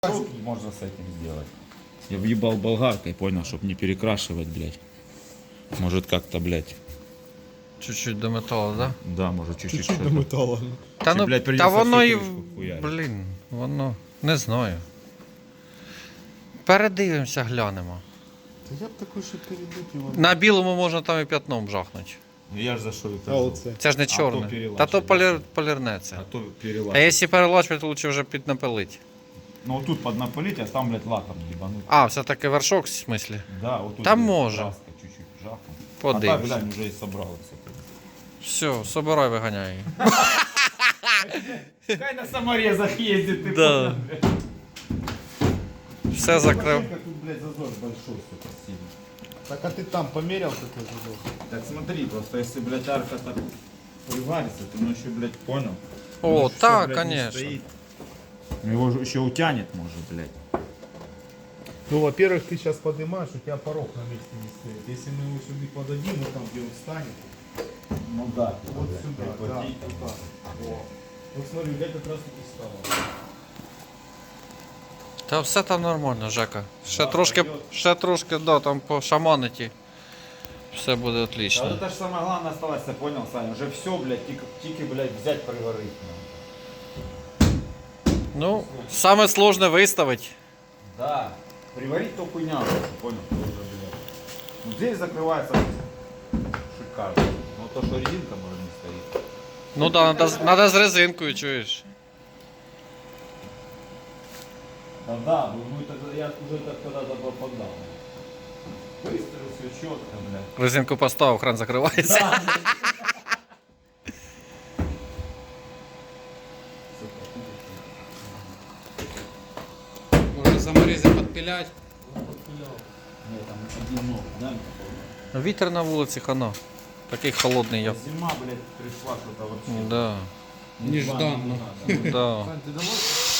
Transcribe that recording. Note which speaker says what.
Speaker 1: Что можно с этим сделать? Я въебал болгаркой, понял, чтобы не перекрашивать, блядь. Может как-то, блядь.
Speaker 2: Чуть-чуть до металу, да?
Speaker 1: Да, может чуть-чуть.
Speaker 3: Чуть-чуть до металла.
Speaker 2: Та,
Speaker 1: Чи,
Speaker 2: ну,
Speaker 1: блядь,
Speaker 2: та
Speaker 1: придется
Speaker 2: воно
Speaker 1: всю
Speaker 2: і.
Speaker 1: кришку хуярить.
Speaker 2: Блін, воно. Не знаю. Передивимося, глянемо.
Speaker 3: Та я б такой, що перейдуть його.
Speaker 2: На білому можна там і п'ятном жахнути.
Speaker 1: Ну я ж за що і
Speaker 3: А
Speaker 1: кажу.
Speaker 3: оце.
Speaker 2: Це ж не
Speaker 1: то
Speaker 2: чорне.
Speaker 1: перелачить,
Speaker 2: Та то
Speaker 1: да.
Speaker 2: полірнеться.
Speaker 1: А то
Speaker 2: А
Speaker 1: перелачивать.
Speaker 2: якщо перелачувати, то лучше вже піднапилити.
Speaker 1: Ну вот тут поднапылить, а там, блядь, лаком ебануть.
Speaker 2: А, все-таки вершок в смислі.
Speaker 1: Да, вот тут.
Speaker 2: Там
Speaker 1: блядь,
Speaker 2: може.
Speaker 1: краска чуть-чуть жахнуть. А
Speaker 2: Подивимось.
Speaker 1: так, глянь, уже и собралось.
Speaker 2: Все, собирай, виганяй її.
Speaker 1: Хай на саморезах ездит, ты
Speaker 2: Да.
Speaker 1: понял, блядь?
Speaker 2: Все закрив.
Speaker 1: Тут, блядь, зазор большой, сука, сильный.
Speaker 3: Так а ти там поміряв такой зазор?
Speaker 1: Так смотри, просто если, блядь, арка так приварится, ты ну еще, блядь, понял?
Speaker 2: О,
Speaker 1: Ну, всё,
Speaker 2: так,
Speaker 1: блядь, не
Speaker 2: конечно.
Speaker 1: стоит. Его же еще утянет, может, блядь.
Speaker 3: Ну, во-первых, ты сейчас поднимаешь, у тебя порог на месте не стоит. Если мы его сюда подадим, вот там, где он встанет,
Speaker 1: Ну да.
Speaker 3: вот сюда, да,
Speaker 1: прикрутить.
Speaker 3: туда. О. Вот смотри, я как раз таки стало.
Speaker 2: Та все там нормально, Жека. Ще
Speaker 1: Да,
Speaker 2: трошки,
Speaker 1: пойдет.
Speaker 2: ще трошки, да, там по шаманиті. Все буде
Speaker 1: Да,
Speaker 2: отлично.
Speaker 1: вот это же самое главное осталось, я понял, Саня. Уже все, блядь, тики, блядь, взять, приварить.
Speaker 2: Ну, саме сложне виставити.
Speaker 1: Да. Приварить то хуйня, понял? Тоже, блядь. Ну, здесь закрывается шикарно. Но то, что резинка, может, не стоит.
Speaker 2: Ну да, надо з резинкою, чуєш.
Speaker 1: Да, ну это я уже так когда-то попадал. Быстро все четко, блядь.
Speaker 2: Резинку поставив, кран закривається.
Speaker 4: Можно саморезы подпилять.
Speaker 1: Нет, там один ног, да?
Speaker 2: Вітер на вулиці, хана. Такий холодний я.
Speaker 1: Зима, блядь, пришла что-то вообще.
Speaker 2: Да.
Speaker 4: Нежданно.
Speaker 2: Да.
Speaker 3: Сань, ты домой?